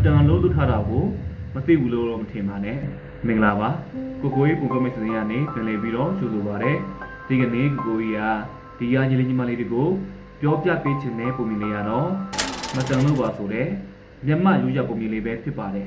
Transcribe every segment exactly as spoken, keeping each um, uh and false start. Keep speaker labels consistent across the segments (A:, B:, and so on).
A: တန်လုံးလွတ်ထားတာကိုမသိဘူးလို့တော့မထင်ပါနဲ့မင်္ဂလာပါကိုကိုကြီးကိုကိုမိတ်ဆွေရနေပြန်လည်ပြီးတော့ကြိုဆိုပါရစေဒီကနေ့ကိုကိုကြီးကဒီရညီလေးညီမလေးတွေကိုပြောပြပေးခြင်းနဲ့ပုံမြင်နေရတော့မတန်လို့ပါဆိုတဲ့မျက်မှောက်ရိုးရပုံမြင်လေးပဲဖြစ်ပါတယ်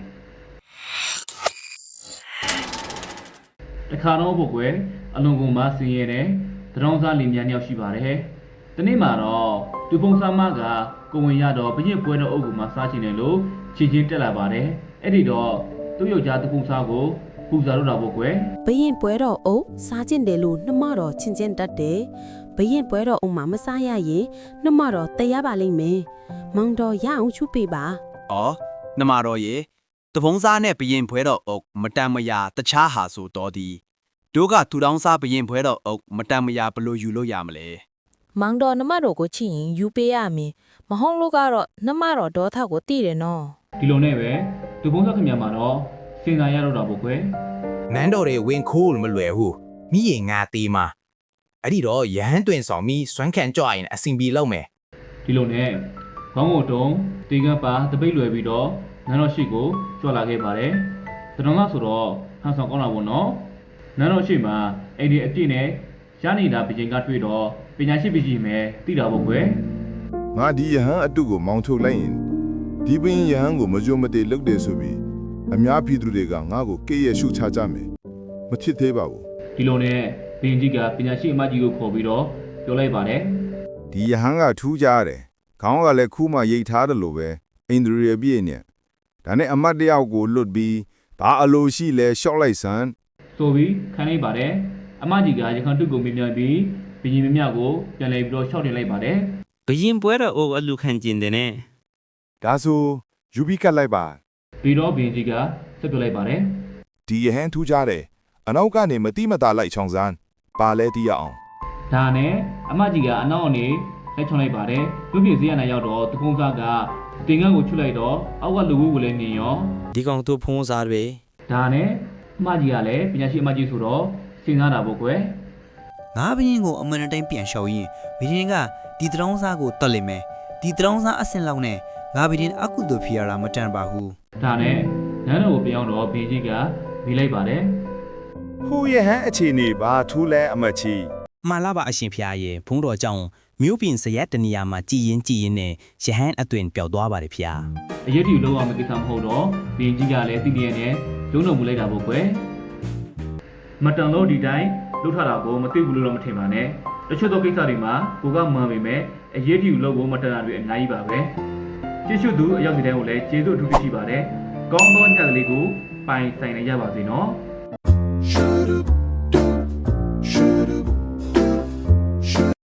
A: တခါတော့ဘုတ်ကွယ်အလွန်ကုန်မှဆင်းရဲတဲ့တရောင်းစားလင်မြန်းရောက်ရှိပါတယ်ဒီနေ့မှာတော့သူပုံစံမကကိုဝင်ရတော့ဘရင်ပွဲတော်အုပ်ကမှစားချင်တယ်လို့ချီချင်းတက်လာပါတယ်အဲ့ဒီတော့သူ့ယောက်ျားတပုံစားကိုပူဇော်တော့တာဘုတ်ကွယ်
B: ဘရင်ပွဲတော်အုပ်စားချင်တယ်လို့နှမတော်ချင်းချင်းတတ်တယ်ဘရင်ပွဲတော်အုပ်မှာမစားရရင်နှမတော်တည်ရပါလိမ့်မယ်မောင်တော်ရအောင်ချူပေးပါ
C: အော်နှမတော်ရေတပုံစားနဲ့ဘရင်ပွဲတော်အုပ်မတန်မရာတခြားဟာဆိုတော်သည်တို့ကသူတောင်းစားဘရင်ပွဲတော်အုပ်မတန်မရာဘလို့ယူလို့ရမလဲ
D: မောင်တော်နှမတော်ကိုချစ်ရင်ယူပေးရမည်မဟုတ်လို့ကတော့နှမတော်ဒေါသကိုတည်တယ်နော်
A: ဒီလိုနဲ့ပဲသူပုံစားခင်ဗျာမှာတော့စင်သာရတော့တာဘုတ်ကွယ်
E: နန်းတော်တွေဝင်ခိုးလို့မလွယ်ဘူးမိရင်ငါသေးမှာအဲ့ဒီတော့ရဟန်းတွင်ဆောင်မိစွမ်းခံကြော့ရင်အစင်ပြေလောက်မယ်
A: ဒီလိုနဲ့ခေါင်းကိုတုံးတေကပါတပိတ်လွယ်ပြီးတော့နန်းတော်ရှိကိုကြွလာခဲ့ပါတယ်တတော်ကဆိုတော့ဟန်ဆောင်ကောင်းတာပေါ့နော်နန်းတော်ရှိမှာအိမ်ဒီအပြည့်နဲ့ရနေတာဘရင်ကတွေ့တော့ပညာရှိပကြီးမယ်သိတာပေါ့ကွယ်
F: ငါဒီယဟန်အတုကိုမောင်းထုတ်လိုက်ရင်ဒီပင်ယဟန်ကိုမကြုံမတည်လုပ်တယ်ဆိုပြီးအများပြည်သူတွေကငါ့ကိုကေးရရှုချကြမယ်မဖြစ်သေးပါဘူး
A: ဒီလိုနဲ့ဘရင်ကြီးကပညာရှိအမကြီးကိုခေါ်ပြီးတော့ပြောလိုက်ပါတယ်
F: ဒီယဟန်ကထူးကြတယ်ခေါင်းကလည်းခူးမှရိတ်ထားတယ်လို့ပဲအိန္ဒြေပြည့်နဲ့ဒါနဲ့အမတ်တယောက်ကိုလွတ်ပြီးဘာအလိုရှိလဲရှော့လိုက်စမ်း
A: ဆိုပြီးခိုင်းလိုက်ပါတယ်အမကြီးကရခိုင်တုတ်ကိုမြင်မြန်ပြီးဘရင်မြမြကိုပြန်လဲပြီးတော့ရှော့တင်လိုက်ပါတယ်
G: ဘရင်ပွဲတော်အုပ်အလူခံကျင်တယ်နဲ့
F: ဒါဆိုယူပြီးကတ်လိုက်ပါ
A: ပြီးတော့ဘရင်ကြီးကဆက်ပြလိုက်ပါတယ်
F: ဒီယဟန်ထူးကြတယ်အနောက်ကနေမတိမတာလိုက်ချောင်းစမ်းပါလဲတီးရအောင်
A: ဒါနဲ့အမကြီးကအနောက်အနေလက်ချွန်လိုက်ပါတယ်လူပြည်စည်းရနိုင်ရောက်တော့တကုံးစားကတင်ငန်းကိုချွတ်လိုက်တော့အောက်ကလူဝူကိုလည်းမြင်ရော
G: ဒီကောင်တို့ဖုံးစားတွေ
A: ဒါနဲ့အမကြီးကလည်းပညာရှိအမကြီးဆိုတော့စဉ်းစားတာပေါ့ကွယ်
H: ငါဘရင်ကိုအမှန်တိုင်းပြန်လျှောက်ရင်ဘရင်ကဒီတရောင်းစားကိုတတ်လိမ့်မယ်ဒီတရောင်းစားအဆင့်လောက်နဲ့ငါဘရင်အကုသို့ဖြစ်ရတာမတန်ပါဘူး
A: ဒါနဲ့နန်းတော်ကိုပြောင်းတော့ဘရင်ကြီးကမိလိုက်ပါတယ်
F: ဟိုယဟန်အခြေအနေဘာထူးလဲအမချီ
H: မှန်လားပါအရှင်ဖျားရဲ့ဘုန်းတော်ကြောင့်မြို့ပြင်စရက်တနေရာမှာကြည်ရင်ကြည်ရင်နဲ့ရဟန်းအသွင်ပျောက်သွားပါတယ်ဖျား
A: အရေးကြီးလုံးဝမကိစ္စမဟုတ်တော့ဘရင်ကြီးကလည်းတိတိယနဲ့လုံးတော်မူလိုက်တာပေါ့ကွယ်မတန်လို့ဒီတိုင်းလှုပ်ထတာကိုမသိဘူးလို့တော့မထင်ပါနဲ့တချို့သောကိစ္စတွေမှာကိုကမှန်ပေမဲ့အရေးကြီးလို့ကိုမတန်တာတွေအများကြီးပါပဲကျေးဇူးသူအရောက်စီတိုင်းကိုလည်းကျေးဇူးအထူးပြုရှိပါတယ်ကောင်းသောညကလေးကိုပိုင်ဆိုင်နေရပါစေနော်